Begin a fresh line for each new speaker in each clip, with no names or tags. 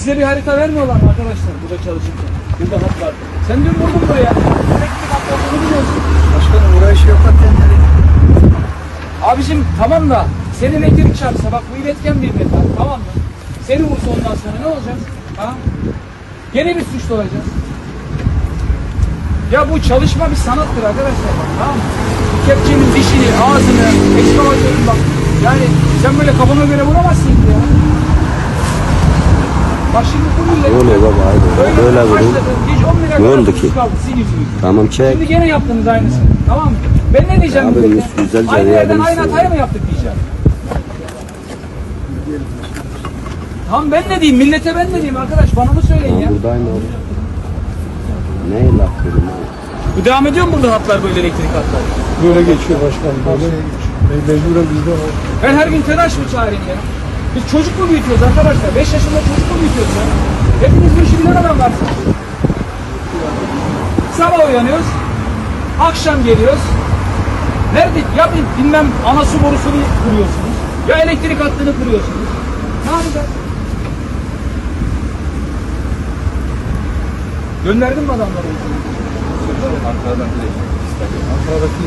Size bir harita vermiyorlar mı arkadaşlar burada çalışırken? Burada hat var. Sen dün vurdun buraya. Elektrik hat olduğunu biliyorsun.
Başkanım buraya iş yaparken nereye?
Abicim tamam da senin elektrik çarpsa bak bu iletken bir metal, tamam mı? Seni vursa ondan sonra ne olacak? Ha? Gene bir suçlu olacağız. Ya bu çalışma bir sanattır arkadaşlar bak, tamam mı? Kepçenin dişini, ağzını, ekskavatörün bak. Yani sen böyle kafana göre vuramazsın ki ya. Bak şimdi bu millet
Öyle baba, aynen. Öyle
başladı. Hiç 10 lira
Ne oldu
kadar
ki?
kaldı sizin yüzünüzden.
Tamam çek.
Şimdi gene yaptınız aynısını. Tamam mı? Ben ne diyeceğim
Abi,
millete?
güzelce
Aynı yerden
yardımcı
aynı
olun.
hatayı mı yaptık diyeceğim. Tamam ben ne diyeyim? Millete ben ne diyeyim arkadaş? Bana mı söyleyin ya?
Burada aynı oldu. Ne laf dedim abi?
Bu devam ediyor mu burada hatlar böyle elektrik hatları?
Böyle geçiyor başkanım. Böyle mecburen bizde var.
Ben her gün telaş mı çağırayım ya? Biz çocuk mu büyütüyoruz arkadaşlar? 5 yaşında çocuk mu büyütüyoruz ya? Hepiniz bu işi bilen adam varsınız. Sabah uyanıyoruz. Akşam geliyoruz. Nerede? Ya bilmem ana su borusunu kuruyorsunuz. Ya elektrik hattını kuruyorsunuz. Ne yapacağız? Gönderdin mi adamları?
Ankara'daki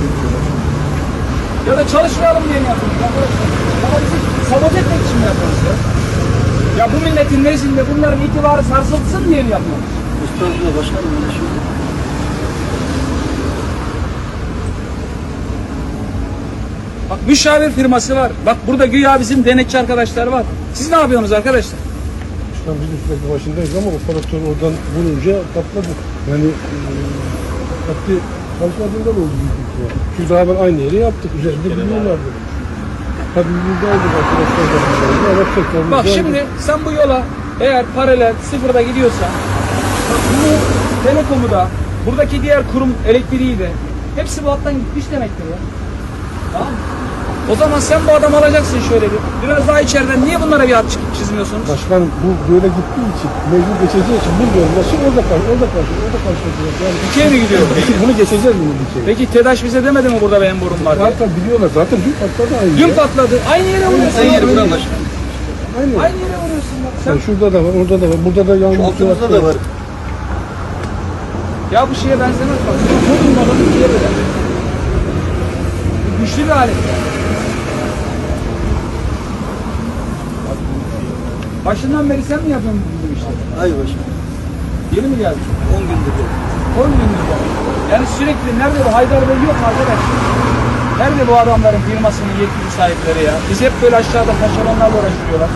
Ya da çalışmayalım diye mi yapıyorsunuz arkadaşlar? Ama bizi sabote etmek için mi yapıyorsunuz ya? Ya bu milletin nezdinde bunların itibarı sarsılsın diye mi yapıyorsunuz?
Üstadına başkanım öyle şey.
Bak müşavir firması var. Bak burada güya bizim denetçi arkadaşlar var. Siz ne yapıyorsunuz arkadaşlar?
Başkan biz üstadın başındayız ama operatör oradan vurunca patladı. Yani hattı çalışmadığından oldu büyük ihtimal. Çünkü daha ben aynı yeri yaptık. Üzerinde biliyorlardı. Tabii biz de aldık arkadaşlar. Ama tekrar
Bak şimdi sen bu yola eğer paralel sıfırda gidiyorsan bak bunu telekomu da buradaki diğer kurum elektriği de hepsi bu hattan gitmiş demektir ya. Tamam mı? O zaman sen bu adamı alacaksın şöyle bir. Biraz daha içeriden niye bunlara bir hat çizmiyorsunuz?
Başkan bu böyle gittiği için, mecbur geçeceği için bilmiyorum. Nasıl orada karşılayacak. Yani
Dikey mi gidiyor?
bunu geçeceğiz bunu dikey.
Peki TEDAŞ bize demedi mi burada benim borum var diye?
Zaten biliyorlar. Zaten dün patladı aynı.
Dün patladı. Aynı yere vuruyorsun.
Aynı yere
Aynı
vuran Aynı.
yere vuruyorsun bak.
Sen şurada da var, orada da var, burada da yağmur. Altımızda da var.
Ya bu şeye benzemez bak. Çok ummadan ikiye böler. Güçlü bir alet. Başından beri sen mi yapıyorsun bu işleri?
Hayır başkan.
Yeni mi geldin?
10 gündür.
10 gündür geldi. Yani sürekli nerede bu Haydar Bey yok mu arkadaş? Nerede bu adamların firmasının yetkili sahipleri ya? Biz hep böyle aşağıda taşeronlarla uğraşıyorlar.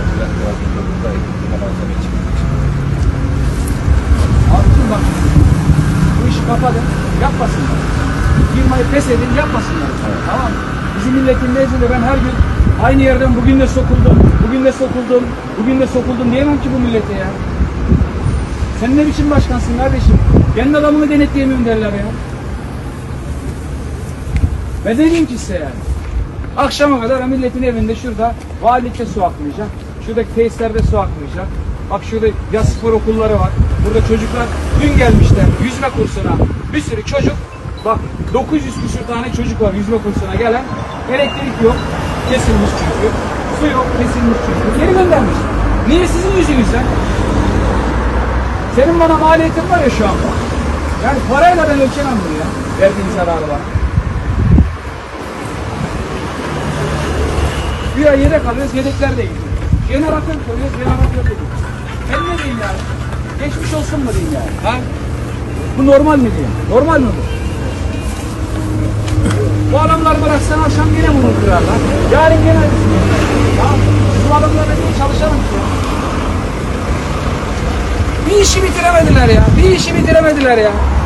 Abicim bak, bu işi kapatın, yapmasınlar. Firmayı pes edin, yapmasınlar. Evet. Tamam mı? Bizim milletin nezdinde ben her gün aynı yerden bugün de sokuldum, bugün de sokuldum, bugün de sokuldum diyemem ki bu millete ya. Sen ne biçim başkansın kardeşim? Kendi adamını denetleyemiyorum derler ya. Ben ne diyeyim ki size yani? Akşama kadar milletin evinde şurada valilikte su akmayacak. Şuradaki tesislerde su akmayacak. Bak şurada yaz spor okulları var. Burada çocuklar dün gelmişler yüzme kursuna. Bir sürü çocuk. Bak 900 küsur tane çocuk var yüzme kursuna gelen. Elektrik yok. Kesilmiş çünkü. Su yok. Kesilmiş çünkü. Geri göndermiş. Niye sizin yüzünüzden? Senin bana maliyetin var ya şu anda. Yani parayla ben ölçemem bunu ya. Verdiğin zararı var. Bir ay yedek alıyoruz, yedekler de gidiyor. Jeneratör koyuyoruz, jeneratör de gidiyor. Ben ne diyeyim yani? Geçmiş olsun mu diyeyim yani? Ha? Bu normal mi diyeyim? Normal mi bu? Bu adamlar bıraksan akşam yine bunu kırarlar. Yarın gene aynısını yapar. Tamam mı? Bu adamlarla niye çalışalım ki ya? Bir işi bitiremediler ya. Bir işi bitiremediler ya.